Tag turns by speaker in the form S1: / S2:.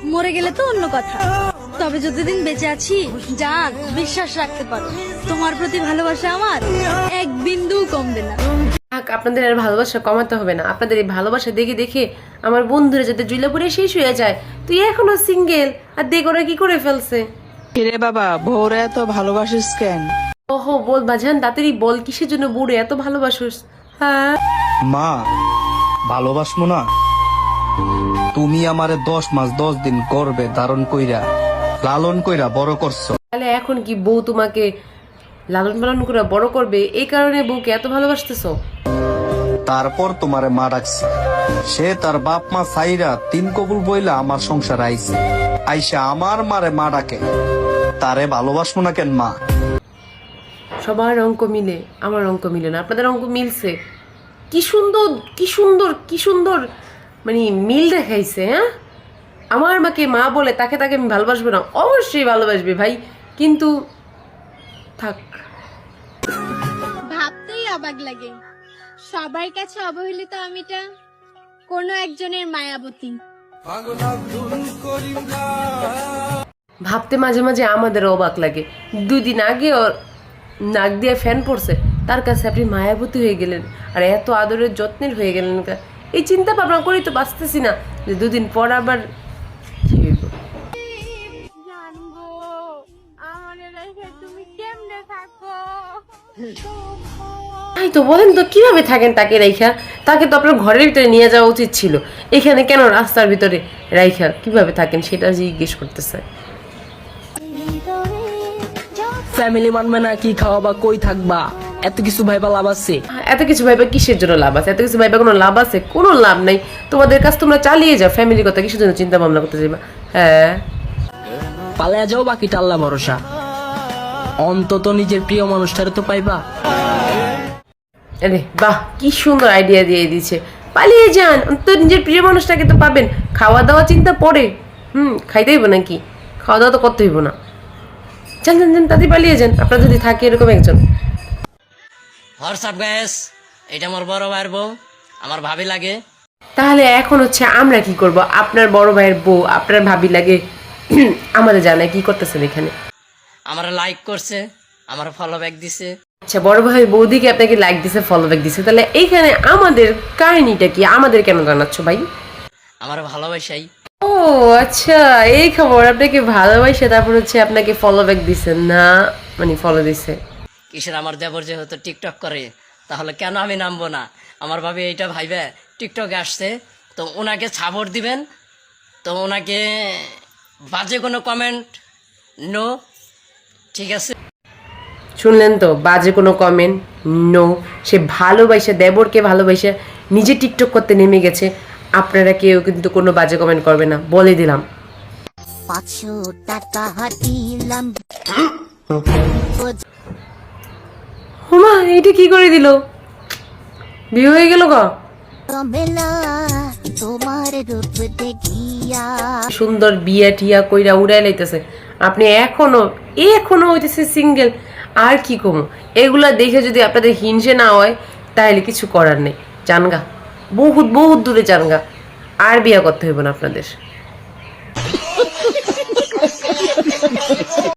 S1: মরে গেলে তো অন্য কথা, তবে যতদিন বেঁচে আছি জান বিশ্বাস রাখতে পারো, তোমার প্রতি ভালোবাসা আমার এক বিন্দু কমবে না।
S2: আপনাদের আর ভালোবাসা কমাতে হবে না, আপনাদের এই ভালোবাসা দেখে দেখে আমার বন্ধুরা যাতে জুইলাপুরে শেষ হয়ে যায়। তুই এখনো সিঙ্গেল আর দেখ ওরা কি করে ফেলছে।
S3: রে বাবা, বউরে এত ভালোবাসিস কেন?
S2: ওহো বল বাজান, তাড়াতাড়ি বল কিসের জন্য বুড়ে এত ভালোবাসোস? হ্যাঁ
S4: মা, ভালোবাসমো না? তুমি আমারে 10 মাস 10 দিন গর্ভে ধারণ কইরা লালন কইরা বড় করছো।
S2: তাহলে এখন কি বউ তোমাকে লালন পালন করে বড় করবে, এই কারণে বউকে এত ভালোবাসতেছো?
S4: তারপর তোমারে মা ডাকছে। সে তার বাপ মা সাইরা 3 কবুল বইলা আমার সংসার আইছে, আইসা আমার মারে মা ডাকে। তারে ভালোবাসমো না কেন মা?
S2: সবার অঙ্ক মিলে, আমার অঙ্ক মিলে না, আপনাদের অঙ্ক মিলছে। কি সুন্দর কি সুন্দর কি সুন্দর মানে মিল দেখাইছে। হ্যাঁ, আমার মাকে মা বলে তাকে তাকে আমি ভালোবাসবো না? অবশ্যই ভালোবাসবে ভাই, কিন্তু থাক।
S1: ভাবতেই অবাক লাগে, সবার কাছে অবহেলিত আমিটা কোনো একজনের মায়াবতী।
S2: ভাবতে মাঝে মাঝে আমাদের অবাক লাগে। 2 দিন আগে ওর নাক দিয়ে ফ্যান পড়ছে, তার কাছে আপনি মায়াবতী হয়ে গেলেন আর এত আদরের যত্নের হয়ে গেলেন। এই চিন্তা ভাবনা করেই তো বাঁচতেছি না যে 2 দিন পর আবার কি হইব। তাই তো বলেন তো, কিভাবে থাকেন তাকে রাইখা? তাকে তো আপনার ঘরের ভিতরে নিয়ে যাওয়া উচিত ছিল, এখানে কেন রাস্তার ভিতরে রাইখা কিভাবে থাকেন সেটা জিজ্ঞেস করতেছে।
S3: ফ্যামিলি মানবে না, কি খাওয়াবা, কই থাকবা, এত কিছু ভাইবা লাভ আছে?
S2: এত কিছু ভাইবা কিসের জন্য লাভ আছে? এত কিছু ভাইবা কোনো লাভ আছে? কোনো লাভ নাই। তোমাদের কাজ তোমরা চালিয়ে যাও, ফ্যামিলির কথা কিসের জন্য চিন্তা ভাবনা করতে যাবা? হ্যাঁ,
S3: পালায়া যাও, বাকিটা আল্লাহ ভরসা। অন্তত নিজের প্রিয় মানুষটারে তো পাইবা।
S2: আরে বাহ, কি সুন্দর আইডিয়া দিয়ে দিচ্ছে। পালিয়ে যান, অন্তত নিজের প্রিয় মানুষটাকে তো পাবেন। খাওয়া দাওয়া চিন্তা পরে, খাইতে হইব নাকি? খাওয়া দাওয়া তো করতে হইব না। যান যান যান, তাতে পালিয়ে যান আপনার যদি থাকে এরকম একজন।
S5: হোয়াটসঅ্যাপ গাইস, এটা আমার বড় ভাইয়ের বউ, আমার ভাবি লাগে।
S2: তাহলে এখন হচ্ছে আমরা কি করব? আপনার বড় ভাইয়ের বউ আপনার ভাবি লাগে, আমাদের জানায় কি করতেছেন এখানে?
S5: আমার লাইক করছে, আমার ফলো ব্যাক দিছে।
S2: আচ্ছা, বড় ভাই বৌদিকে আপনাকে লাইক দিছে, ফলো ব্যাক দিছে, তাহলে এইখানে আমাদের কাহিনীটা কি? আমাদের কেন জানাচ্ছ ভাই?
S5: আমার ভালোবাসাই।
S2: ও আচ্ছা, এই খবর। আপনাকে ভালোবাসে তারপর হচ্ছে আপনাকে ফলো ব্যাক দিছে না, মানে ফলো দিছে।
S5: কিসের আমার দেবর যেহেতু টিকটক করে, তাহলে কেন আমি নামবো না? আমার ভাবি এইটা ভাইবে টিকটকে আসছে, তো ওনাকে সাপোর্ট দিবেন। তো ওনাকে বাজে কোনো কমেন্ট নো, ঠিক আছে?
S2: শুনলেন তো, বাজে কোনো কমেন্ট নো। সে ভালোবাসে, দেবরকে ভালোবাসে নিজে টিকটক করতে নেমে গেছে। আপনারা কেউ কিন্তু কোনো বাজে কমেন্ট করবে না, বলে দিলাম।
S6: 500 টাকা দিলাম।
S2: হুমা, এইটা কি করে দিল? বিয়ে হয়ে গেল গা।
S6: তোমার রূপ দেখিয়া
S2: সুন্দর বিয়া টিয়া কইরা উড়াই লাইতেছে, আপনি এখনো হইতেছে সিঙ্গেল। আর কি কমো, এগুলা দেখে যদি আপনাদের হিংসে না হয় তাহলে কিছু করার নেই। জানগা, বহুত বহুত দূরে জানগা, আর বিয়া করতে হইব না আপনাদের।